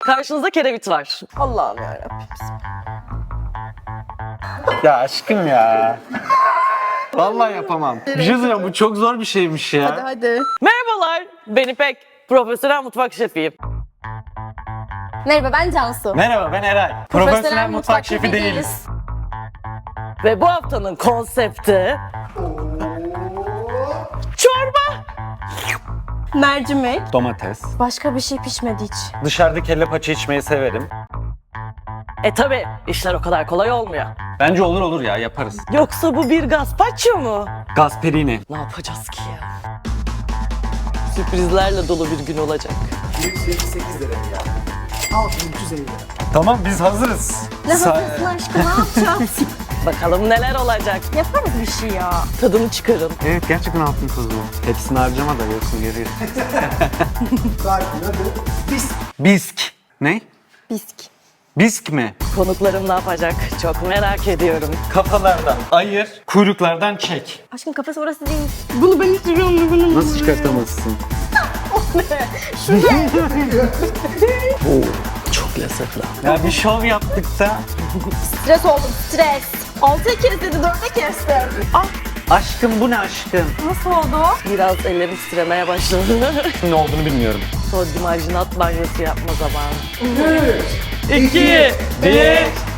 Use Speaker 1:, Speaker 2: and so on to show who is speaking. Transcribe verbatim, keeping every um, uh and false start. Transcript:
Speaker 1: Karşınızda kerevit var.
Speaker 2: Allah'ım yarabbim.
Speaker 3: Ya aşkım ya. Vallahi yapamam. Bir şey söyleyeyim, bu çok zor bir şeymiş ya.
Speaker 2: Hadi hadi.
Speaker 1: Merhabalar, ben İpek. Profesyonel mutfak şefiyim.
Speaker 2: Merhaba ben Cansu.
Speaker 3: Merhaba, ben Eray. Profesyonel, mutfak, şefi değiliz.
Speaker 1: Ve bu haftanın konsepti... Çorba.
Speaker 2: Mercimek.
Speaker 3: Domates.
Speaker 2: Başka bir şey pişmedi hiç.
Speaker 3: Dışarıda kelle paça içmeyi severim.
Speaker 1: E tabi, işler o kadar kolay olmuyor.
Speaker 3: Bence olur olur ya, yaparız.
Speaker 1: Yoksa bu bir gazpacho mu?
Speaker 3: Gasperini.
Speaker 1: Ne yapacağız ki ya? Sürprizlerle dolu bir gün olacak.
Speaker 4: yüz yetmiş sekiz lira ya. altı bin üç yüz elli lira.
Speaker 3: Tamam, biz hazırız.
Speaker 2: Ne
Speaker 3: Sa-
Speaker 2: hazırsın aşkım ne yapacağız?
Speaker 1: Bakalım neler olacak.
Speaker 2: Yaparız bir şey ya.
Speaker 1: Tadını çıkarın.
Speaker 3: Evet, gerçekten altın tuzlu. Hepsini harcama da yoksun geriye.
Speaker 4: Sakin adı biz.
Speaker 3: Bisk. Ne?
Speaker 2: Bisk.
Speaker 3: Bisk mi?
Speaker 1: Konuklarım ne yapacak? Çok merak ediyorum.
Speaker 3: Kafalardan ayır, kuyruklardan çek.
Speaker 2: Aşkım kafası orası değil. Bunu ben istiyorum. Bunu.
Speaker 3: Nasıl çıkartamazsın?
Speaker 1: Çok lezzetli.
Speaker 3: Ya bir şov yaptık da.
Speaker 2: Stres oldum stres. Altı kere dedi dörde kestim. Ah
Speaker 3: Aşkım bu ne aşkım?
Speaker 2: nasıl oldu?
Speaker 1: Biraz ellerim titremeye başladı.
Speaker 3: Ne olduğunu bilmiyorum.
Speaker 1: Sodyum arginat banyosu yapma zamanı.
Speaker 4: üç,
Speaker 1: İki, bir,